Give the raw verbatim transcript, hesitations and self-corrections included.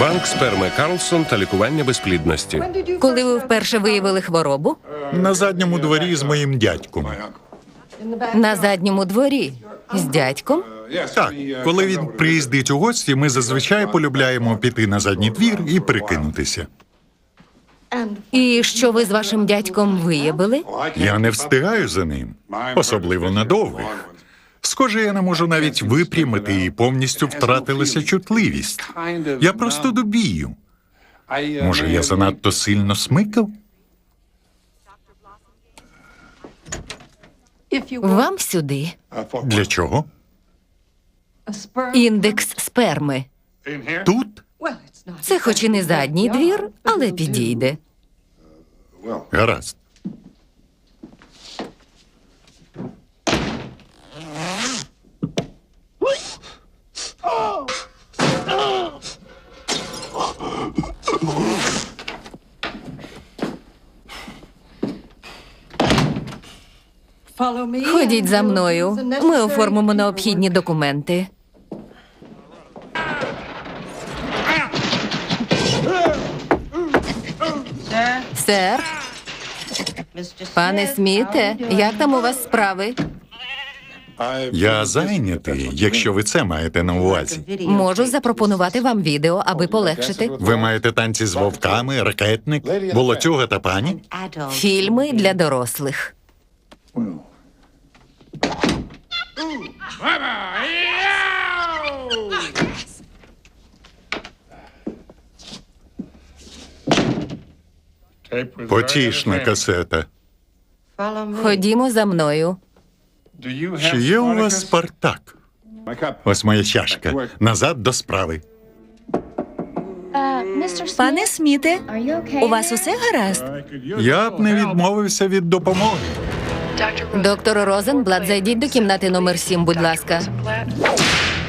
Банк сперми Карлсон та лікування безплідності. Коли ви вперше виявили хворобу? На задньому дворі з моїм дядьком. На задньому дворі. З дядьком? Так, коли він приїздить у гості, ми зазвичай полюбляємо піти на задній двір і прикинутися. І що ви з вашим дядьком виявили? Я не встигаю за ним, особливо на довгих. Схоже, я не можу навіть випрямити і повністю втратилася чутливість. Я просто дубію. Може, я занадто сильно смикав? Вам сюди. Для чого? Індекс сперми. Тут? Це хоч і не задній двір, але підійде. Гаразд. Ходіть за мною. Ми оформимо необхідні документи. Сер, пане Сміте, як там у вас справи? Я зайнятий, якщо ви це маєте на увазі. Можу запропонувати вам відео, аби полегшити. Ви маєте танці з вовками, ракетник, волоцюга та пані? Фільми для дорослих. Потішна касета. Ходімо за мною. Чи є у вас Спартак? Ось моя чашка. Назад до справи. Пане Сміте, у вас усе гаразд? Я б не відмовився від допомоги. Доктор Розенблат, зайдіть до кімнати номер сім, будь ласка.